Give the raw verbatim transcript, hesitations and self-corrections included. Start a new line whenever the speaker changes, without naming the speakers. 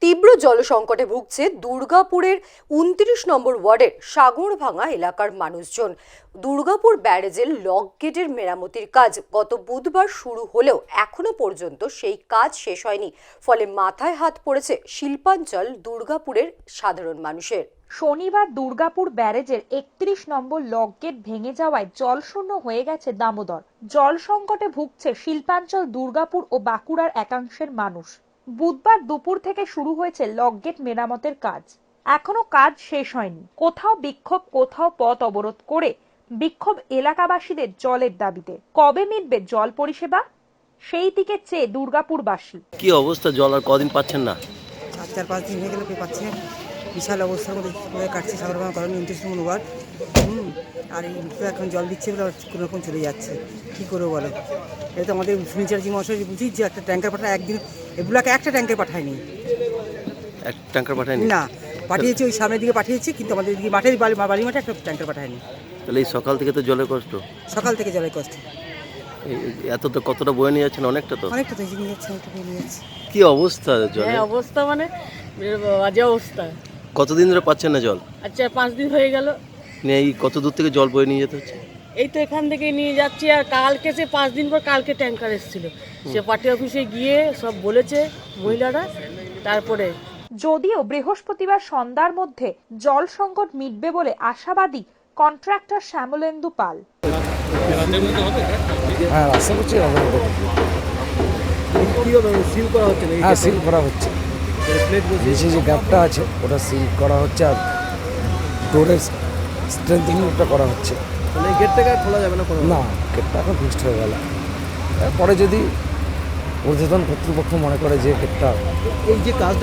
তীব্র জলসংকটে ভুগছে দুর্গাপুরের উনত্রিশ নম্বর ওয়ার্ডের সাগরভাঙা এলাকার মানুষজন। দুর্গাপুর ব্যারেজের লক গেটের মেরামতির কাজ গত বুধবার শুরু হলেও এখনো পর্যন্ত সেই কাজ শেষ হয়নি, ফলে মাথায় হাত পড়েছে শিল্পাঞ্চল দুর্গাপুরের সাধারণ মানুষের।
শনিবার দুর্গাপুর ব্যারেজের একত্রিশ নম্বর লক গেট ভেঙে যাওয়ায় জলশূন্য হয়ে গেছে দামোদর। জল সংকটে ভুগছে শিল্পাঞ্চল দুর্গাপুর ও বাঁকুড়ার একাংশের মানুষ। বুধবার দুপুর থেকে শুরু হয়েছে লক গেট মেরামতের কাজ, এখনো কাজ শেষ হয়নি। কোথাও বিক্ষোভ, কোথাও পথ অবরোধ করে বিক্ষোভ এলাকাবাসীদের জলের দাবিতে। কবে মিটবে জল পরিষেবা, সেই দিকে চেয়ে দুর্গাপুরবাসী।
কি অবস্থা, জল আর কদিন পাচ্ছেন না?
চার চার পাঁচ দিন হয়ে গেলে পেয়ে পাচ্ছে। বিশাল অবস্থার মধ্যে কাটছে সাগরভাঙা কলোনি উনত্রিশ নম্বর ওয়ার্ড। হুম আর এই এখন জল দিচ্ছে বলে কোনো রকম চলে যাচ্ছে, কী করবো বলো? এটা তো আমাদের ফর্নিচারজি মশাই বুঝি যে একটা ট্যাঙ্কার পাঠায়, একদিন এগুলোকে একটা ট্যাঙ্কার পাঠায়নি,
এক ট্যাঙ্কার পাঠায়নি না,
পাঠিয়েছে ওই সামনের দিকে পাঠিয়েছে, কিন্তু আমাদের দিকে মাঠের বাড়ি বাড়ি মাঠে একটা ট্যাঙ্কার পাঠায়নি।
তাহলে এই সকাল থেকে তো জলের কষ্ট।
সকাল থেকে জলের কষ্ট
এত তো কতটা বয়ে নিয়ে যাচ্ছেন? অনেকটা তো
অনেকটা তো নিয়ে যাচ্ছে, অনেকটা নিয়ে যাচ্ছে।
কি অবস্থা জলে?
হ্যাঁ অবস্থা মানে বাজে অবস্থা।
কতদিন ধরে পাচ্ছেন না জল?
আচ্ছা পাঁচ দিন হয়ে গেল।
এই কত দূর থেকে জল বয়ে নিয়ে যেতে হচ্ছে?
এই তো এখান থেকে নিয়ে যাচ্ছি। আর কালকে সে পাঁচ দিন পর কালকে ট্যাঙ্কার এসেছিল, সে পার্টি অফিসে গিয়ে সব বলেছে মহিলারা। তারপরে
যদিও বৃহস্পতিবার সন্ধ্যার মধ্যে জল সংকট মিটবে বলে আশাবাদী কন্ট্রাক্টর শ্যামলেন্দু পাল।
হ্যাঁ আশা করছি হবে।
সিল করা হচ্ছে না?
হ্যাঁ সিল করা হচ্ছে, নিচে যে গ্যাপটা আছে ওটা সিল করা হচ্ছে, আর ডোরের স্ট্রেংথেনিংটা করা হচ্ছে।
মানে এই গেটটাকে আর খোলা যাবে না?
না, গেটটা এখন ফিক্সড হয়ে গেল। পরে যদি ঊর্ধ্বতন কর্তৃপক্ষ মনে করে যে গেটটা
এই যে কাজ